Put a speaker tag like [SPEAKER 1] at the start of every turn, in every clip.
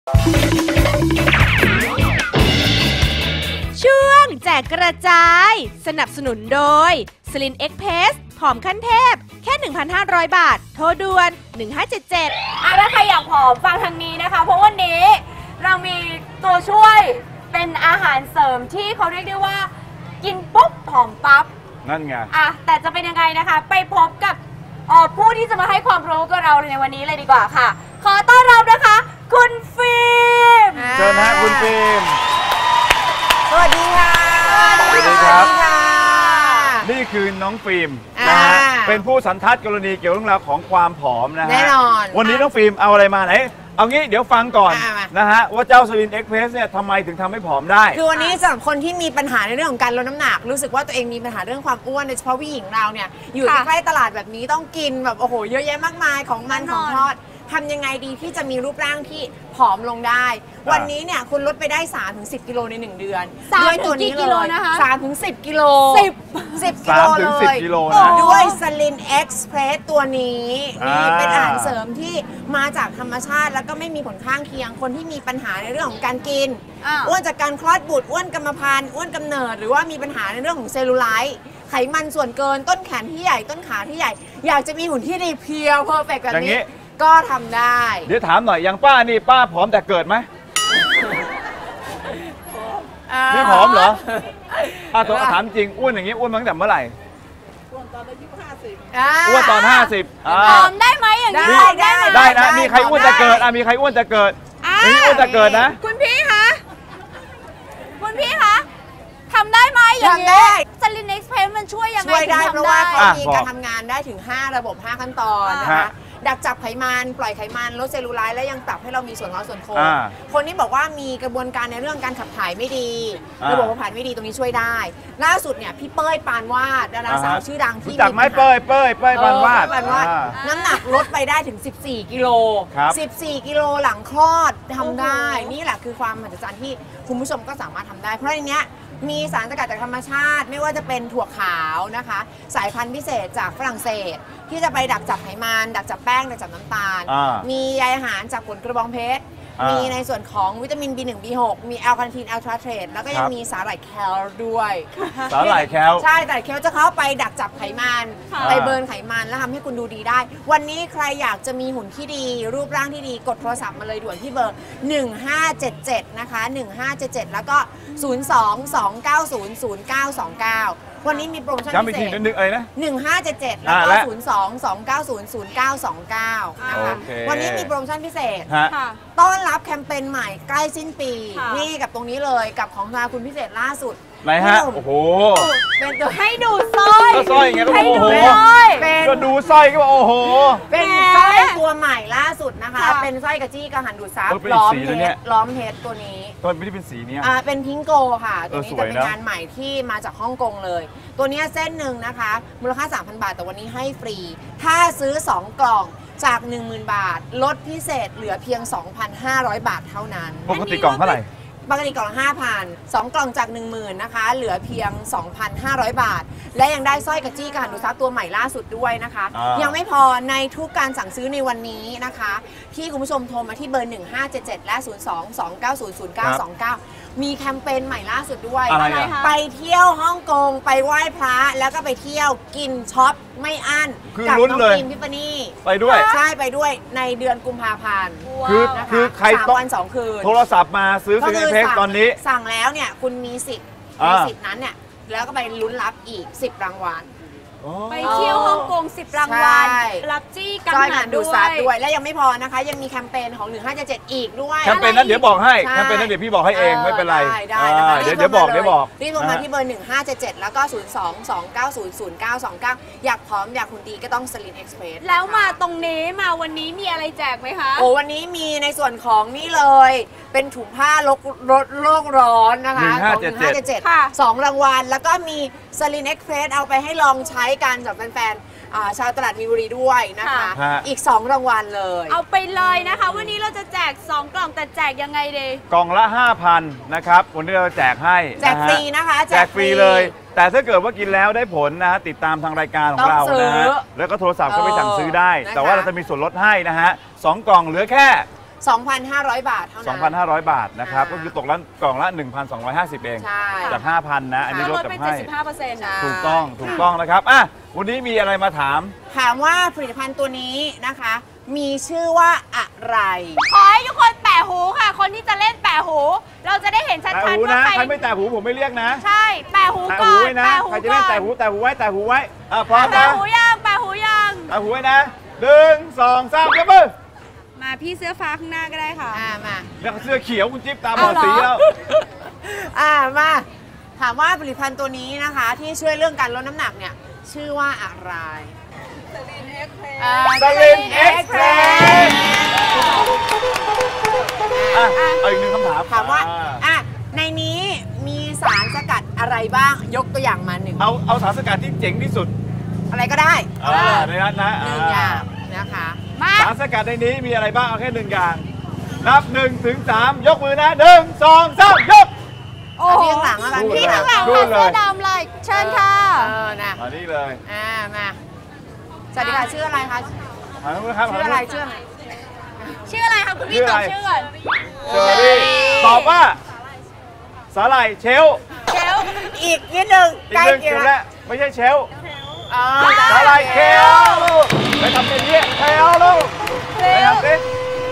[SPEAKER 1] ช่วงแจกกระจายสนับสนุนโดยสลินเอ็กเพสผอมขั้นเทพแค่ 1,500 บาทโทรด่วน1577
[SPEAKER 2] ถ้าใครอยากผอมฟังทางนี้นะคะเพราะวันนี้เรามีตัวช่วยเป็นอาหารเสริมที่เขาเรียกได้ว่ากินปุ๊บผอมปั๊บ
[SPEAKER 3] นั่นไง
[SPEAKER 2] แต่จะเป็นยังไงนะคะไปพบกับผู้ที่จะมาให้ความรู้กับเราในวันนี้เลยดีกว่าค่ะขอต้อนรับนะคะคุณฟิล์ม
[SPEAKER 3] เชิญนะคุณฟิล์ม
[SPEAKER 4] สวัสดีค่ะ
[SPEAKER 3] สวัสดีครับนี่คือน้องฟิล์มนะฮะเป็นผู้สันทัดกรณีเกี่ยวกับเรื่องราวของความผอมนะฮะ
[SPEAKER 4] แน่นอน
[SPEAKER 3] วันนี้น้องฟิล์มเอาอะไรมาไหนเอางี้เดี๋ยวฟังก่อนนะฮะว่าเจ้าสลินเอ็กเพรสเนี่ยทำไมถึงทำให้ผอมได้
[SPEAKER 4] คือวันนี้สำหรับคนที่มีปัญหาในเรื่องของการลดน้ำหนักรู้สึกว่าตัวเองมีปัญหาเรื่องความอ้วนโดยเฉพาะผู้หญิงเราเนี่ยอยู่ใกล้ตลาดแบบนี้ต้องกินแบบโอ้โหเยอะแยะมากมายของมันของทอดทำยังไงดีที่จะมีรูปร่างที่ผอมลงได้วันนี้เนี่ยคุณลดไปได้ 3-10 กิโลใน1 เดือนด้วยตัวนี้เลย3-10 กิโล10 กิโลเลยด้วยสลินเอ็กซ์เพรสตัวนี้นี่เป็นอาหารเสริมที่มาจากธรรมชาติแล้วก็ไม่มีผลข้างเคียงคนที่มีปัญหาในเรื่องของการกินอ้วนจากการคลอดบุตรอ้วนกรรมพันธุ์อ้วนกำเนิดหรือว่ามีปัญหาในเรื่องของเซลลูไลท์ไขมันส่วนเกินต้นแขนที่ใหญ่ต้นขาที่ใหญ่อยากจะมีหุ่นที่ดีเพียวเพอร์เฟกต์แบบนี้ก็ทำได้
[SPEAKER 3] เดี๋ยวถามหน่อยอย่างป้านี่ป้าผอมแต่เกิดไหมไม่ผอมเหรอถามจริงอ้วนอย่างนี้อ้วนมาตั้งแต่เมื่อไหร่อ้วนตอนอายุ50อ้วนตอน50
[SPEAKER 2] ผอมได้ไหมอย่างนี้
[SPEAKER 3] ได้นะมีใครอ้วนจะเกิดมีใครอ้วนจะเกิดมีอ้วนจะเกิดนะ
[SPEAKER 2] คุณพี่คะทำได้ไหมอย่างนี้สลินเอ็กซ์เพรสมันช่วยยังไง
[SPEAKER 4] ช่วยได้เพราะว่าเขามีการทำงานได้ถึง5ระบบ5ขั้นตอนนะคะดักจับไขมันปล่อยไขมันลดเซลลูไลท์และยังปรับให้เรามีส่วนเงาส่วนโค้งคนที่บอกว่ามีกระบวนการในเรื่องการขับถ่ายไม่ดีระบบขับถ่ายไม่ดีตรงนี้ช่วยได้ล่าสุดเนี่ยพี่เป้ยปานวาดดาราสาวชื่อดังที่
[SPEAKER 3] จากไม้เป้ยปานวาด
[SPEAKER 4] น้ำหนักลดไปได้ถึง14 กิโล14 กิโลหลังคลอดทำได้นี่แหละคือความมหัศจรรย์ที่คุณผู้ชมก็สามารถทำได้เพราะในนี้มีสารสกัดจากธรรมชาติไม่ว่าจะเป็นถั่วขาวนะคะสายพันธุ์พิเศษจากฝรั่งเศสที่จะไปดักจับไขมันดักจับแป้งดักจับน้ำตาลมีใยอาหารจากผลกระบองเพชรมีในส่วนของวิตามิน B1 B6 มีแอลคาเนทีนแอลทราเทรตแล้วก็ยังมีสาหร่ายแคลด้วย
[SPEAKER 3] สาหร่ายแคล
[SPEAKER 4] ใช่สาหร่ายแคลจะเข้าไปดักจับไขมันไปเบิร์นไขมันแล้วทำให้คุณดูดีได้วันนี้ใครอยากจะมีหุ่นที่ดีรูปร่างที่ดีกดโทรศัพท์มาเลยด่วนที่เบอร์1577นะคะ1577แล้วก็02-290-0929วันนี้มีโปรโมชั่นพิเศษ
[SPEAKER 3] ย้ำอีกทีนึงอะไรนะ
[SPEAKER 4] 1577แล้วก็02-290-0929นะคะวันนี้มีโปรโมชั่นพิเศษต้อนรับแคมเปญใหม่ใกล้สิ้นปีนี่กับตรงนี้เลยกับของทางคุณพิเศษล่าสุด
[SPEAKER 3] ไหนฮะโอ้โห
[SPEAKER 4] เป็นตัว
[SPEAKER 2] ให้ดูสร้อย
[SPEAKER 3] ก็สร้อยไงโอ้โหก็ดูสร้อยก็โอ้โห
[SPEAKER 4] เป็นสร้อยตัวใหม่ล่าสุดนะคะเป็นสร้อยกระจี้กระหันดูดซับล้อมเพชรตัวนี้
[SPEAKER 3] ตัวไม่ได้เป็นสีนี้
[SPEAKER 4] เป็นพิงโกค่ะตัวนี้จะเป็นงานใหม่ที่มาจากฮ่องกงเลยตัวนี้เส้นหนึ่งนะคะมูลค่า 3,000 บาทแต่วันนี้ให้ฟรีถ้าซื้อ2 กล่องจาก 10,000 บาทลดพิเศษเหลือเพียง 2,500 บาทเท่านั้น
[SPEAKER 3] ปกติกล่องเท่าไหร่
[SPEAKER 4] ปกติกล่องละ 5,000 2 กล่องจาก 10,000 นะคะเหลือเพียง 2,500 บาทและยังได้สร้อยกระจี้กระหันดูดซับตัวใหม่ล่าสุดด้วยนะคะยังไม่พอในทุกการสั่งซื้อในวันนี้นะคะที่คุณผู้ชมโทรมาที่เบอร์ 1577 และ 02-290-0929 มีแคมเปญใหม่ล่าสุดด้วยไปเที่ยวฮ่องกงไปไหว้พระแล้วก็ไปเที่ยวกินช็อปไม่อั้นกับน้องฟิล์มทิฟฟานี่
[SPEAKER 3] ไปด้วย
[SPEAKER 4] ใช่ไปด้วยในเดือนกุมภาพันธ์
[SPEAKER 3] คือใคร
[SPEAKER 4] 3 วัน 2 คืน
[SPEAKER 3] โทรศัพท์มาซื้อซิลิเพกตอนนี้
[SPEAKER 4] สั่งแล้วเนี่ยคุณมีสิทธิ์ในสิทธิ์นั้นเนี่ยแล้วก็ไปลุ้นรับอีก10 รางวัล
[SPEAKER 2] ไปเที่ยวฮ่องกง10 รางวัลรับจี้กังหัน
[SPEAKER 4] ด้วยและยังไม่พอนะคะยังมีแคมเปญของ1577อีกด้วย
[SPEAKER 3] แคมเปญนั้นเดี๋ยวบอกให้แคมเปญนั้นเดี๋ยวพี่บอกให้เองไม่เป็นไรเดี๋ยวบอก
[SPEAKER 4] รีบโทรมาที่เบอร์1577แล้วก็02-290-0929อยากพร้อมอยากคุณดีก็ต้องสลินเอ็กซ์เพรส
[SPEAKER 2] แล้วมาตรงนี้มาวันนี้มีอะไรแจกไหมคะ
[SPEAKER 4] วันนี้มีในส่วนของนี่เลยเป็นถุงผ้าลดโลกร้อนนะคะ1577 2 รางวัลแล้วก็มีสลินเอ็กซ์เพรสเอาไปให้ลองใช้กันจากแฟนๆชาวตลาดมีนบุรีด้วยนะคะอีก2 รางวัลเลย
[SPEAKER 2] เอาไปเลยนะคะวันนี้เราจะแจก2 กล่องแต่แจกยังไงดี
[SPEAKER 3] กล่องละ 5,000 นะครับวันนี้เราแจกให้
[SPEAKER 4] แจกฟรีนะคะ
[SPEAKER 3] แจกฟรีเลยแต่ถ้าเกิดว่ากินแล้วได้ผลนะติดตามทางรายการของเรานะฮะแล้วก็โทรศัพท์ก็ไปสั่งซื้อได้แต่ว่าเราจะมีส่วนลดให้นะฮะ2 กล่องเหลือแค่
[SPEAKER 4] 2,500 บาทเท่านั้น
[SPEAKER 3] 2,500 บาทนะครับ
[SPEAKER 4] อ่า
[SPEAKER 3] ก็คือตกละกล่องละ 1,250 เอง
[SPEAKER 4] ใช่
[SPEAKER 3] จาก 5,000 นะ อันนี้ลด
[SPEAKER 2] ลด
[SPEAKER 3] จาก
[SPEAKER 2] ไป
[SPEAKER 3] ให้
[SPEAKER 2] 75%
[SPEAKER 4] ใช่
[SPEAKER 3] ถูกต้องนะครับอ่ะวันนี้มีอะไรมาถาม
[SPEAKER 4] ถามว่าผลิตภัณฑ์ตัวนี้นะคะ มีชื่อว่าอะไร
[SPEAKER 2] ขอให้ทุกคนแปะหูค่ะ คนที่จะเล่นแปะหู เราจะได้เห็นชั
[SPEAKER 3] แต่
[SPEAKER 2] ด
[SPEAKER 3] หู
[SPEAKER 2] ๆว่า
[SPEAKER 3] นะ
[SPEAKER 2] ใคร
[SPEAKER 3] ใครไม่แต่หูผมไม่เรียกนะ
[SPEAKER 2] ใช่ แปะหู
[SPEAKER 3] แต่
[SPEAKER 2] ก่
[SPEAKER 3] หู
[SPEAKER 2] อน
[SPEAKER 3] ไว้นะ
[SPEAKER 2] แปะหู
[SPEAKER 3] ใครจะ
[SPEAKER 2] ก่
[SPEAKER 3] เล่น
[SPEAKER 2] อน
[SPEAKER 3] แต่หูไว้อ่ะพร้อม
[SPEAKER 2] แปะ
[SPEAKER 3] นะ
[SPEAKER 2] หูยังแปะหูยัง
[SPEAKER 3] แต่หูไว้นะ1 2 3ยกมือ
[SPEAKER 2] มาพี่เสื้อฟ้าข้างหน้าก็ได้ค่ะ
[SPEAKER 4] มา
[SPEAKER 3] แล้วเสื้อเขียวคุณจิ๊บตาบอด
[SPEAKER 2] เอาเหรอ
[SPEAKER 3] สีแล้ว
[SPEAKER 4] มาถามว่าผลิตภัณฑ์ตัวนี้นะคะ ที่ช่วยเรื่องการลดน้ำหนักเนี่ย ชื่อว่าอะไรสลินเอ็กเพรส
[SPEAKER 3] อ่ะเอาอีกหนึ่งคำถาม
[SPEAKER 4] ถามว่าในนี้มีสารสกัดอะไรบ้าง ยกตัวอย่างมาหนึ่ง
[SPEAKER 3] เอาสารสกัดที่เจ๋งที่สุด
[SPEAKER 4] อะไรก็ได้
[SPEAKER 3] ในนั้นนะ
[SPEAKER 4] หนึ่งอย่างนะคะ
[SPEAKER 2] มา
[SPEAKER 3] สารสกัดในนี้มีอะไรบ้างเอาแค่1 อย่างนับ1 ถึง 3ยกมือนะ1 2 3ยก
[SPEAKER 2] โอ้
[SPEAKER 4] อัน
[SPEAKER 2] โห
[SPEAKER 4] นี้ข้างหลังแล้วกัน
[SPEAKER 2] พี่ข้างหลัง
[SPEAKER 3] ดู
[SPEAKER 2] ค่ะ
[SPEAKER 3] เลย
[SPEAKER 2] เสื้อดำเลยเชิญค่ะ
[SPEAKER 4] นะ
[SPEAKER 3] อันนี้เลย
[SPEAKER 4] มาสวัสดีค่ะชื่ออะไรคะ
[SPEAKER 3] หันมาครับ
[SPEAKER 4] ชื่ออะไรชื่ออะไร
[SPEAKER 2] ชื่ออะไรคะคุณพี่ตอบชื่อก่อน
[SPEAKER 3] เชอรี่ตอบว่าสาหร่ายเชล
[SPEAKER 2] เชล
[SPEAKER 4] อีกนิดหนึ่ง
[SPEAKER 3] อี
[SPEAKER 4] ใก
[SPEAKER 3] ก
[SPEAKER 4] ล้
[SPEAKER 3] หนึ่ง
[SPEAKER 4] เคียง
[SPEAKER 3] เดี๋ยว
[SPEAKER 4] แล้ว
[SPEAKER 3] ไม่ใช่เชล
[SPEAKER 4] อ๋อ
[SPEAKER 3] สาหร่ายเคลไปทำเป็นเยี่ยเชลลูกไปทำสิ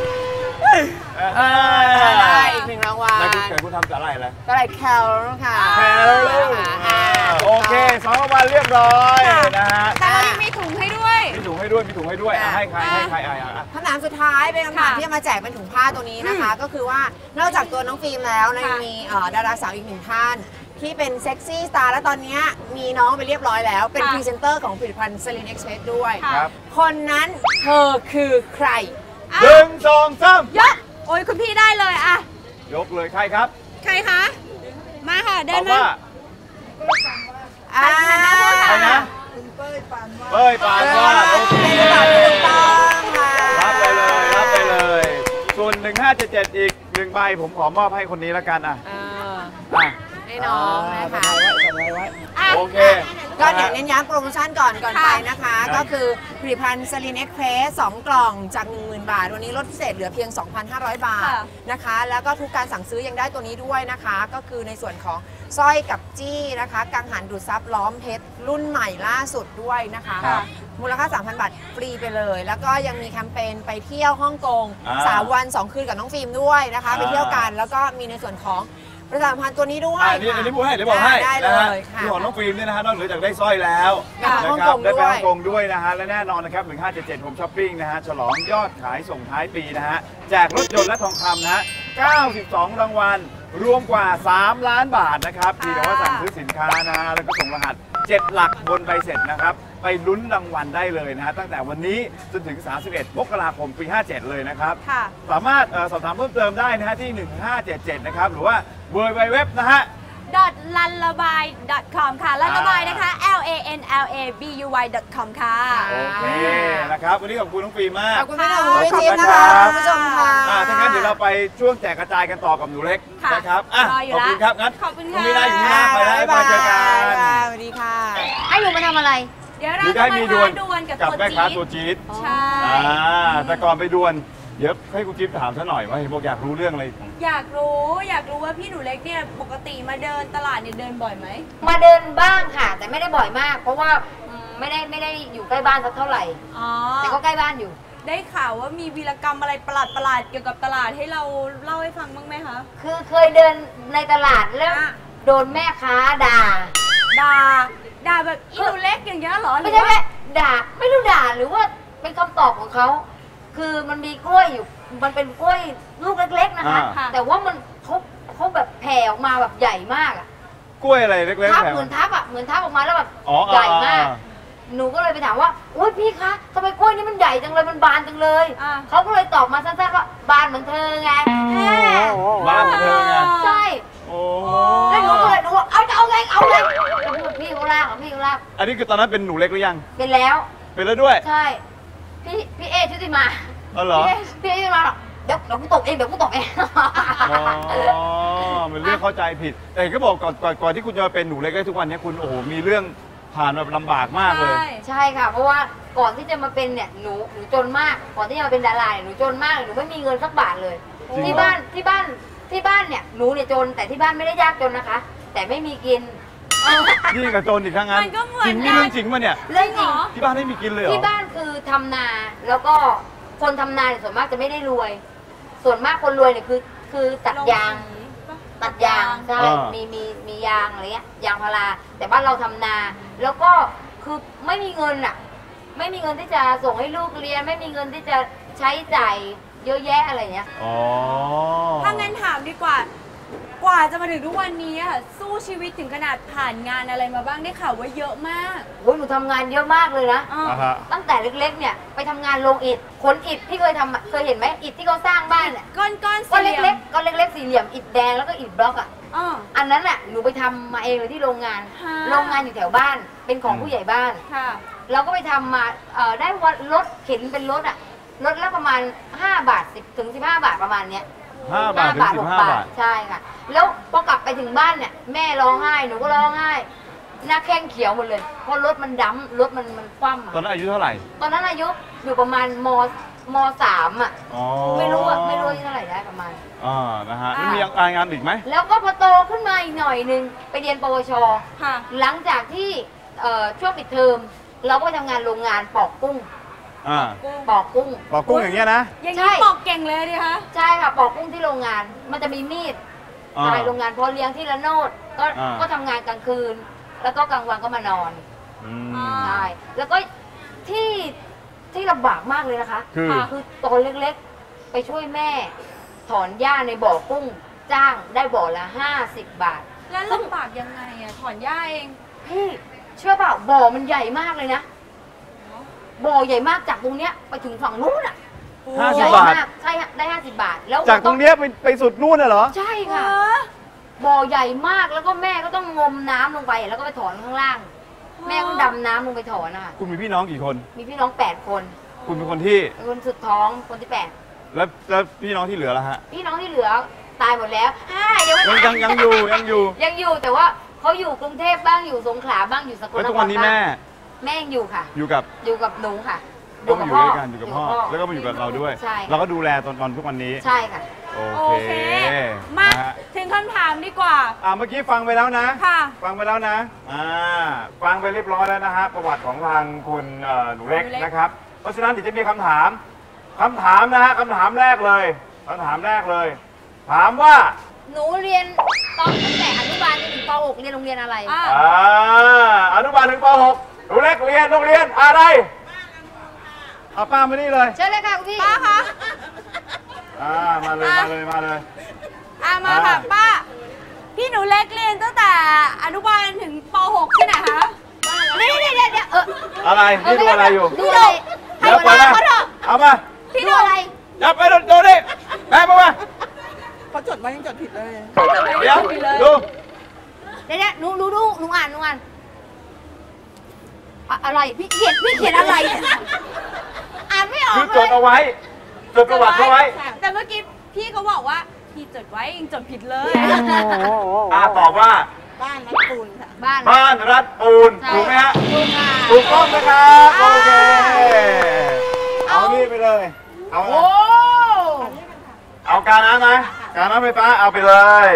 [SPEAKER 4] ได้อีกหนึ่งรางวัล
[SPEAKER 3] แล้วคุณทำสาหร่ายอะไร
[SPEAKER 4] ก็เลยแคลค่ะ
[SPEAKER 3] แคลลูกโอเค2 รางวัลเรียบร้อยนะฮะ
[SPEAKER 2] แต่เรายังมีถุงให้ด้วย
[SPEAKER 3] มีถุงให้ด้วยอ่ะให้ใคร
[SPEAKER 4] คำถามสุดท้ายเป็นคำถาม
[SPEAKER 2] ค่ะ
[SPEAKER 4] ที่จะมาแจกเป็นถุงผ้าตัวนี้นะคะ ก็คือว่านอกจากตัวน้องฟิล์มแล้วนะยังมีดาราสาวอีกหนึ่งท่าน ที่เป็นเซ็กซี่สตาร์และตอนนี้มีน้องไปเรียบร้อยแล้ว เป็นพรีเซนเตอร์ของผลิตภัณฑ์ Celine Express ด้วย
[SPEAKER 3] ครับ
[SPEAKER 4] คนนั้นเธอคือใคร
[SPEAKER 3] 1 2 3
[SPEAKER 2] ยก โอ้ยคุณพี่ได้เลยอะ
[SPEAKER 3] ยกเลยใครครับ
[SPEAKER 2] ใครคะ มาค่ะ
[SPEAKER 3] ต
[SPEAKER 2] เดิ
[SPEAKER 3] อน บ
[SPEAKER 2] มา
[SPEAKER 3] ว่า
[SPEAKER 2] หันหน้าพูดค่ะ
[SPEAKER 3] ใครนะเป้ยปานวาดโอเค
[SPEAKER 4] ถูกต้องค่ะ
[SPEAKER 3] รับไปเลย ส่วน 1577 อีก1 ใบผมขอมอบให้คนนี้แล้วกันอ่ะ อ่ะ
[SPEAKER 4] ให้น้องนะคะ
[SPEAKER 3] โอเค
[SPEAKER 4] ก็เดี๋ยวเน้นย้ำโปรโมชั่นก่อน
[SPEAKER 2] ค่ะ
[SPEAKER 4] ไปนะคะ ก็คือผลิตภัณฑ์ Celine Express 2 กล่องจาก 10,000 บาท วันนี้ลดพิเศษเหลือเพียง 2,500 บาท
[SPEAKER 2] ค่ะ
[SPEAKER 4] นะคะ แล้วก็ทุกการสั่งซื้อยังได้ตัวนี้ด้วยนะคะ ก็คือในส่วนของสร้อยกับจี้นะคะกังหันดูดซับล้อมเพชรรุ่นใหม่ล่าสุดด้วยนะคะ
[SPEAKER 3] ครับ
[SPEAKER 4] มูลค่า 3,000 บาทฟรีไปเลย แล้วก็ยังมีแคมเปญไปเที่ยวฮ่องกง 3 วัน 2 คืนกับน้องฟิล์มด้วยนะคะ ไปเที่ยวกันแล้วก็มีในส่วนของประชาสัมพันธ์ตัวนี้ด้วย
[SPEAKER 3] อันนี้พูดให้เดี๋ยวบอกให้
[SPEAKER 4] ได้เล
[SPEAKER 3] นะฮะ
[SPEAKER 4] ยค่ะ
[SPEAKER 3] ที่ของน้องฟิล์มเนี่ยนะฮะนอกเหนือจากได้สร้อยแล้ว
[SPEAKER 4] ค่ะ
[SPEAKER 3] นะ
[SPEAKER 4] ฮ่อง
[SPEAKER 3] ครั
[SPEAKER 4] ก
[SPEAKER 3] บ
[SPEAKER 4] ง
[SPEAKER 3] ได้ไป
[SPEAKER 4] ด้วย
[SPEAKER 3] ฮ่องกงด้วยนะฮะและแน่นอนนะครับ1577ผมช้อปปิ้งนะฮะฉลองยอดขายส่งท้ายปีนะฮะแจกรถยนต์และทองคำนะฮะ92 รางวัล รวมกว่า 3 ล้านบาทนะครับที่แต่ว่าสั่งซื้อสินค้านะฮะแล้วก็ส่งรหัส 7 หลักบนใบเสร็จนะครับไปลุ้นรางวัลได้เลยนะฮะตั้งแต่วันนี้จนถึง 31 มกราคมปี 57 เลยนะครับ
[SPEAKER 2] ค่ะ
[SPEAKER 3] สามารถสอบถามเพิ่มเติมได้นะฮะที่ 1577 นะครับ หรือว่า www นะฮะ
[SPEAKER 2] .lanlabai.com ค่ะ ลันละบายนะคะ LANLABUY.com ค่ะ
[SPEAKER 3] โอเคนะครับ วันนี้ขอบคุณน้องฟิล์มมาก
[SPEAKER 4] ขอบคุณพี่หนุ่มคุณพี่จิ๊บนะคะคุณผู้ชมค่ะ
[SPEAKER 3] ถ้างั้นเดี๋ยวเราไปช่วงแจกกระจายกันต่อกับหนูเล็ก
[SPEAKER 2] ค่ะ
[SPEAKER 3] นะครับ
[SPEAKER 2] รออยู่
[SPEAKER 3] ขอบ
[SPEAKER 2] ละ
[SPEAKER 3] คุณครับงั้น
[SPEAKER 2] ขอบคุณ
[SPEAKER 3] ณ
[SPEAKER 2] ค่ะ
[SPEAKER 3] มีนาอยู่ที่หน้าไปแล้ว
[SPEAKER 4] บ๊ายบาย
[SPEAKER 3] มาเจอกัน
[SPEAKER 4] สวัสดีค่ะ
[SPEAKER 5] ให้หนูมาทำอะไร
[SPEAKER 2] เดี๋ยว
[SPEAKER 3] ห
[SPEAKER 2] เรา
[SPEAKER 3] รือ
[SPEAKER 2] จะ
[SPEAKER 3] ได้
[SPEAKER 2] มา
[SPEAKER 3] มีด
[SPEAKER 2] ท้าว
[SPEAKER 3] ล
[SPEAKER 2] ดวลกับ
[SPEAKER 3] กับ
[SPEAKER 2] ตัว
[SPEAKER 3] แม่ค้า
[SPEAKER 2] จี๊
[SPEAKER 3] ตัว
[SPEAKER 2] ด
[SPEAKER 3] จี๊ด
[SPEAKER 2] ใช่
[SPEAKER 3] แต่ก่อนไปดวลเดี๋ยวให้คุณจิ๊บถามซะหน่อยว่าเห็นบอกอยากรู้เรื่องอะไร
[SPEAKER 2] อยากรู้ว่าพี่หนูเล็กเนี่ยปกติมาเดินตลาดเนี่ยเดินบ่อยไหม
[SPEAKER 5] มาเดินบ้างค่ะ แต่ไม่ได้บ่อยมาก เพราะว่าไม่ได้อยู่ใกล้บ้านสักเท่าไหร่
[SPEAKER 2] อ๋อ
[SPEAKER 5] แต่ก็ใกล้บ้านอยู่
[SPEAKER 2] ได้ข่าวว่ามีวีรกรรมอะไรประหลาดๆเกี่ยวกับตลาดให้เราเล่าให้ฟังบ้างไหมคะ
[SPEAKER 5] คือเคยเดินในตลาดแล้ว
[SPEAKER 2] อ่ะ
[SPEAKER 5] โดนแม่ค้าด่า
[SPEAKER 2] ด่าแบบอีหนูเล็กอย่างเงี้ยเหรอหรื
[SPEAKER 5] ไม่
[SPEAKER 2] อ
[SPEAKER 5] ใช่
[SPEAKER 2] ว่า
[SPEAKER 5] แม่ด่าไม่รู้ด่าหรือว่าเป็นคำตอบของเขา คือมันมีกล้วยอยู่ มันเป็นกล้วยลูกเล็กๆนะคะ
[SPEAKER 2] ค่ะ
[SPEAKER 5] แต่ว่ามันเขาแบบแผ่ออกมาแบบใหญ่มากอะ
[SPEAKER 3] กล้วยอะไรเล็กๆ
[SPEAKER 5] ทับ
[SPEAKER 3] แบบ
[SPEAKER 5] เหมือนทับอะเหมือนทับออกมาแล้วแบบ
[SPEAKER 3] อ๋อ
[SPEAKER 5] ใหญ่มาก หนูก็เลยไปถามว่าโอ๊ยพี่คะทำไมกล้วยนี่มันใหญ่จังเลย มันบานจังเลย
[SPEAKER 2] อ่ะ
[SPEAKER 5] เขาก็เลยตอบมาสั้นๆว่าบานเหมือนเธอไง
[SPEAKER 3] บ้านของเธอไง
[SPEAKER 5] ใช่
[SPEAKER 3] โอ้
[SPEAKER 5] แล้วหนูก็เลยหนูว่าเอาไงแล้วพูดพี่เขาลากพี่เขาลาก
[SPEAKER 3] อันนี้คือตอนนั้นเป็นหนูเล็กหรือยัง
[SPEAKER 5] เป็นแล้ว
[SPEAKER 3] เป็นแล้วด้วย
[SPEAKER 5] ใช่ พี่เอชุติมา
[SPEAKER 3] อ๋อเหรอ
[SPEAKER 5] พี่เอชุติมาหรอกเดี๋ยวกูตกเอง
[SPEAKER 3] อ๋อมันเรื่องเข้าใจผิด แต่ก็บอกก่อนที่คุณจะมาเป็นหนูเล็กได้ทุกวันนี้คุณโอ้โหมีเรื่องผ่านแบบลำบากมากเลย
[SPEAKER 2] ใช่
[SPEAKER 5] ใช่ค่ะ เพราะว่าก่อนที่จะมาเป็นเนี่ยหนูจนมากก่อนที่จะมาเป็นดาราหนูจนมากหนูไม่มีเงินสักบาทเลยที่บ้านเนี่ยหนูเนี่ยจนแต่ที่บ้านไม่ได้ยากจนนะคะ แต่ไม่มีกิน
[SPEAKER 3] ยิ่งกับโจรอีกครั้งนั้น
[SPEAKER 2] มันก็เหมือน
[SPEAKER 3] จริงนี่เรื่องจริงป่ะเนี่ย
[SPEAKER 5] เรื่องจริง
[SPEAKER 3] ที่บ้านไม่มีกินเลยเหรอ
[SPEAKER 5] ที่บ้านคือทำนาแล้วก็คนทำนาเนี่ยส่วนมากจะไม่ได้รวย ส่วนมากคนรวยเนี่ยคือตัดยางใช่มียางอะไรเงี้ยยางพาราแต่บ้านเราทำนา แล้วก็คือไม่มีเงินอ่ะไม่มีเงินที่จะส่งให้ลูกเรียน ไม่มีเงินที่จะใช้จ่ายเยอะแยะอะไรเงี้ย
[SPEAKER 3] อ๋อ
[SPEAKER 2] ถ้างั้นถามดีกว่ากว่าจะมาถึงทุกวันนี้อะสู้ชีวิตถึงขนาดผ่านงานอะไรมาบ้างได้ข่าวว่าเยอะมาก
[SPEAKER 5] โอ้ยหนูทำงานเยอะมากเลยนะ
[SPEAKER 2] อ่า
[SPEAKER 3] อ่าฮะ
[SPEAKER 5] ตั้งแต่เล็กๆเนี่ยไปทำงานโรงอิฐขนอิฐที่เคยเห็นไหมอิฐที่เขาสร้างบ้านเนี่ย
[SPEAKER 2] ก้อน
[SPEAKER 5] ก้อน
[SPEAKER 2] สี่หลี่ยม
[SPEAKER 5] เล็กๆก้อนเล็กๆสี่เหลี่ยมอิฐแดงแล้วก็อิฐบล็อกอ่ะ
[SPEAKER 2] อ่า
[SPEAKER 5] อันนั้นน่ะหนูไปทำมาเองเลยที่โรงงาน
[SPEAKER 2] ฮะ
[SPEAKER 5] โรงงานอยู่แถวบ้านเป็นของผู้ใหญ่บ้าน
[SPEAKER 2] ค่ะ
[SPEAKER 5] เราก็ไปทำมาได้วันรถเข็นเป็นรถอ่ะรถละประมาณ5 บาท10 ถึง 15 บาทประมาณเนี้ย
[SPEAKER 3] 5 บาทถึง
[SPEAKER 5] 6
[SPEAKER 3] 15 บาท
[SPEAKER 5] ใช่ค่ะแล้วพอกลับไปถึงบ้านเนี่ยแม่ร้องไห้หนูก็ร้องไห้หน้าแข้งเขียวหมดเลยเพราะรถมันดำรถมันคว่ำอะ
[SPEAKER 3] ตอนนั้นอายุเท่าไหร่
[SPEAKER 5] ตอนนั้นอายุอยู่ประมาณม.3 อ่ะ
[SPEAKER 3] อ๋อ
[SPEAKER 5] ไม่รู้อายุเท่าไหร่ได้ประมาณ
[SPEAKER 3] นะฮะ
[SPEAKER 2] อ่า
[SPEAKER 3] นี่มีงานอีกไหม
[SPEAKER 5] แล้วก็พอโตขึ้นมาอีกหน่อยนึงไปเรียนปวช
[SPEAKER 2] ค่ะ
[SPEAKER 5] หลังจากที่ช่วงปิดเทอมเราก็ไปทำงานโรงงานปอกกุ้ง ปอกกุ้ง
[SPEAKER 3] ปอกกุ้งอย่างเงี้ยนะ
[SPEAKER 2] อย่าง
[SPEAKER 5] ใช่
[SPEAKER 2] นี้บอกเก่งเลยดิคะ
[SPEAKER 5] ใช่ค่ะปอกกุ้งที่โรงงาน มันจะมีมีด
[SPEAKER 3] อ่า
[SPEAKER 5] ใช่โรงงานพอเลี้ยงที่ละโนดก็
[SPEAKER 3] อ่า
[SPEAKER 5] ก็ทำงานกลางคืน แล้วก็กลางวันก็มานอน
[SPEAKER 3] อืม
[SPEAKER 2] อ่า
[SPEAKER 5] ใช่แล้วก็ที่ลำบากมากเลยนะคะ
[SPEAKER 3] คือ
[SPEAKER 5] ตอนเล็กๆ ไปช่วยแม่ ถอนหญ้าในบ่อกุ้ง จ้างได้บ่อละ50 บาท
[SPEAKER 2] แล้วลำบากยังไงอะถอนหญ้าเอง
[SPEAKER 5] พี่เชื่อเปล่าบ่อมันใหญ่มากเลยนะบ่อใหญ่มากจากตรงเนี้ยไปถึงฝั่งนู้นอ่ะ
[SPEAKER 3] 50
[SPEAKER 5] ใหญ่
[SPEAKER 3] บาท
[SPEAKER 5] มากใช่ฮะได้50 บาทแล้ว
[SPEAKER 3] จากตรงเนี้ยไปสุดนู่นน่ะเหรอ
[SPEAKER 5] ใช่ค่ะบ่อใหญ่มากแล้วก็แม่ก็ต้องงมน้ำลงไปแล้วก็ไปถอนข้างล่าง แม่ก็ดำน้ำลงไปถอนนะคะ
[SPEAKER 3] คุณมีพี่น้องกี่คน
[SPEAKER 5] มีพี่น้อง8 คน
[SPEAKER 3] คุณเป็นคนที่
[SPEAKER 5] เป็นคนสุดท้องคนที่8
[SPEAKER 3] แล้วพี่น้องที่เหลือล่ะฮะ
[SPEAKER 5] พี่น้องที่เหลือตายหมดแล้วยังไม่
[SPEAKER 3] ยัง
[SPEAKER 5] ตาย
[SPEAKER 3] ยังอยู่
[SPEAKER 5] ยังอยู่แต่ว่าเขาอยู่กรุงเทพบ้างอยู่สงขลาบ้างอยู่สกล
[SPEAKER 3] แล้ว
[SPEAKER 5] น
[SPEAKER 3] ทุก
[SPEAKER 5] ค
[SPEAKER 3] วั
[SPEAKER 5] ร
[SPEAKER 3] นนี้
[SPEAKER 5] บ้า
[SPEAKER 3] แม่
[SPEAKER 5] งแม่ยังอยู่ค่ะ
[SPEAKER 3] อยู่กับ
[SPEAKER 5] อยู่กับหนูค่ะ
[SPEAKER 3] ก็มาอยู่ด้วยกันอยู่กับพ่อ แล้วก็มาอยู่กับเราด้วย
[SPEAKER 5] ใช่
[SPEAKER 3] เราก็ดูแลตอนทุกวันนี้
[SPEAKER 5] ใช่ค่ะ
[SPEAKER 3] โอ
[SPEAKER 2] โอ
[SPEAKER 3] เค
[SPEAKER 2] เค มา
[SPEAKER 3] นะฮะ
[SPEAKER 2] ถึงคำถามดีกว่า
[SPEAKER 3] เมื่อกี้ฟังไปแล้วนะ
[SPEAKER 2] ค่ะ
[SPEAKER 3] ฟังไปแล้วนะฟังไปเรียบร้อยแล้วนะฮะประวัติของทางคุณหนูเล็ก
[SPEAKER 2] หนูเล็ก
[SPEAKER 3] นะครับ เพราะฉะนั้นเดี๋ยวจะมีคำถามนะฮะคำถามแรกเลย ถามว่า
[SPEAKER 5] หนูเรียนตอนตั้งแต่อนุบาลจนถึงป .6 เรียนโรงเรียนอะไร
[SPEAKER 2] อ่ะ
[SPEAKER 3] อนุบาลถึงป .6 หนูเล็กเรียนโรงเรียนอะไรเอาป้ามานี่เลย
[SPEAKER 5] เชิญเลยค่ะคุณพี่
[SPEAKER 2] ป้าคะ
[SPEAKER 3] มาเลย
[SPEAKER 2] มาค่ะป้า พี่หนูเล็กเรียนตั้งแต่อนุบาลถึงป .6 ที่ไหนคะ
[SPEAKER 5] เดี๋ยว
[SPEAKER 3] อะไรนี่ดูอะไรอยู่
[SPEAKER 5] ดูอะไร
[SPEAKER 3] เดี๋ยวไปนะเอามา
[SPEAKER 5] พี่ดูอะไร
[SPEAKER 3] จับไปดูดิแม่มา
[SPEAKER 4] เขาจดไว้ยังจดผิดเลย
[SPEAKER 3] เดี๋ยวดู
[SPEAKER 5] เดี๋ยวหนูอ่านอะไรพี่เขียนอะไรอ่านไม่ออก
[SPEAKER 3] คือ
[SPEAKER 5] เล
[SPEAKER 3] จด
[SPEAKER 5] ย
[SPEAKER 3] เอาไว้จดประวัติเอาไว้
[SPEAKER 2] แต่เมื่อกี้พี่เขาบอกว่าพี่จดไว้เองจดผิดเลย
[SPEAKER 3] ตอบว่า
[SPEAKER 4] บ้านรักปูนค่ะ
[SPEAKER 3] บ้านรัฐปูน
[SPEAKER 5] ใช่
[SPEAKER 3] ถูกไหมฮะ
[SPEAKER 5] ถูกค่ะ
[SPEAKER 3] ถูกต้องนะครับโอเคเอานี่ไปเลยเอา
[SPEAKER 5] โอ้
[SPEAKER 3] เอาการน้ำไหมการน้ำไฟฟ้าเอาไปเลย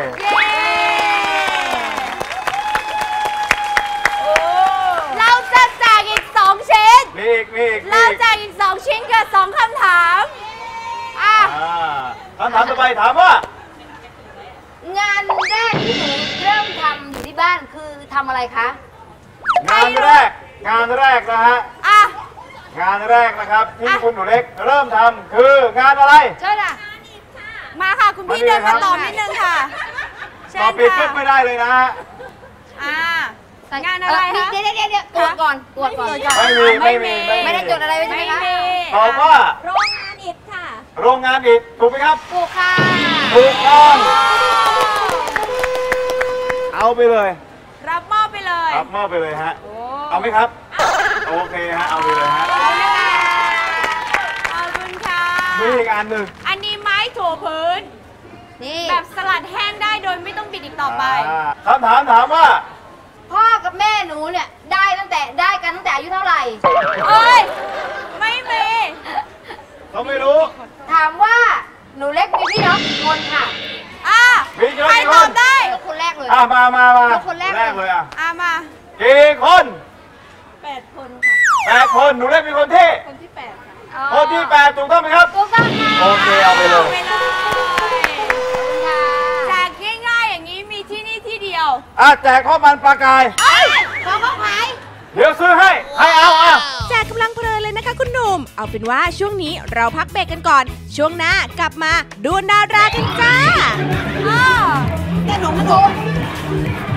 [SPEAKER 2] เราจะแจกอีก2ชิ้น
[SPEAKER 3] มีอีก
[SPEAKER 2] เราแจกอีก2ชิ้นกับ2คำถาม
[SPEAKER 3] คำถามต่อไปถามว่า
[SPEAKER 5] งานแรกที่หนูเริ่มทำอยู่ที่บ้านคือทำอะไรคะ
[SPEAKER 3] งานแรกนะฮะ
[SPEAKER 2] อ่ะ
[SPEAKER 3] งานแรกนะครับที่คุณหนูเล็กเริ่มทำคืองานอะไร
[SPEAKER 5] เชิญอ่ะ
[SPEAKER 2] มาค่ะคุณพี่
[SPEAKER 3] มานี่
[SPEAKER 2] เดิน
[SPEAKER 3] ครั
[SPEAKER 2] มา
[SPEAKER 3] บ
[SPEAKER 2] ตอบนิดนึงค่ะเชิ
[SPEAKER 3] ตอบ
[SPEAKER 2] ญ
[SPEAKER 3] ผิดปุ๊
[SPEAKER 2] ค่ะ
[SPEAKER 3] บไม่ได้เลยนะฮะ
[SPEAKER 2] งานอะไรคะ
[SPEAKER 5] เดี๋ยวตรวจก่อน ไม่ได้จดอะไรไว้ใช่ไหมคะ
[SPEAKER 3] ตอบว่า
[SPEAKER 2] โรงงานอิฐค่ะ
[SPEAKER 3] โรงงานอิฐถูกไหมครับ
[SPEAKER 5] ถูกค่ะ
[SPEAKER 3] ถูกต้องเอาไปเลย
[SPEAKER 2] รับมอบไปเลย
[SPEAKER 3] รับมอบไปเลยฮะเอาไหมครับโอเคฮะเอาไปเลยฮะ
[SPEAKER 2] ขอบคุณค่ะ
[SPEAKER 3] มีอีกอันหนึ่ง
[SPEAKER 2] อันนี้ไม้ถูพื้น
[SPEAKER 5] นี่
[SPEAKER 2] แบบสลัดแห้งได้โดยไม่ต้องบิดอีกต่อไป
[SPEAKER 3] คำถามถามว่า
[SPEAKER 5] พ่อกับแม่หนูเนี่ยได้ตั้งแต่ได้กันตั้งแต่อายุเท่าไหร่
[SPEAKER 2] เอ้ย ไม่มี
[SPEAKER 3] เขาไม่รู้
[SPEAKER 5] ถามว่าหนูเล็กมีพี่น้องกี่คนค่ะ
[SPEAKER 2] อ่ะ
[SPEAKER 3] มีเยอะ
[SPEAKER 2] ใคร
[SPEAKER 3] กี่
[SPEAKER 2] ต
[SPEAKER 3] ค
[SPEAKER 2] อน บได้
[SPEAKER 5] ยกคนแรกเลย
[SPEAKER 3] มา
[SPEAKER 5] คนแรก
[SPEAKER 3] เลยอ่ะ
[SPEAKER 2] อ่ะมา
[SPEAKER 3] กี่คน
[SPEAKER 2] 8 คนค่ะ
[SPEAKER 3] 8 คนหนูเล็กเป็นคนที่
[SPEAKER 2] คนที่ 8 ค่ะ
[SPEAKER 5] อ๋อ
[SPEAKER 3] คนที่8ถูกต้องไหมครับ
[SPEAKER 5] ถูกต้องค่ะ
[SPEAKER 3] โอเคเอาไปเลย
[SPEAKER 2] ไปเลย
[SPEAKER 5] ค่ะ
[SPEAKER 2] แจกง่ายๆอย่างนี้มีที่นี่ที่เดียว
[SPEAKER 3] แจกข้าวมันปลากาย
[SPEAKER 5] ของเขาขาย
[SPEAKER 3] เดี๋ยวซื้อให้เอาอ่ะ
[SPEAKER 1] แจกกำลังเพลินเลยนะคะคุณหนุ่ม เอาเป็นว่าช่วงนี้เราพักเบรกกันก่อน ช่วงหน้ากลับมาดูดารากันจ้า
[SPEAKER 4] แต่หนู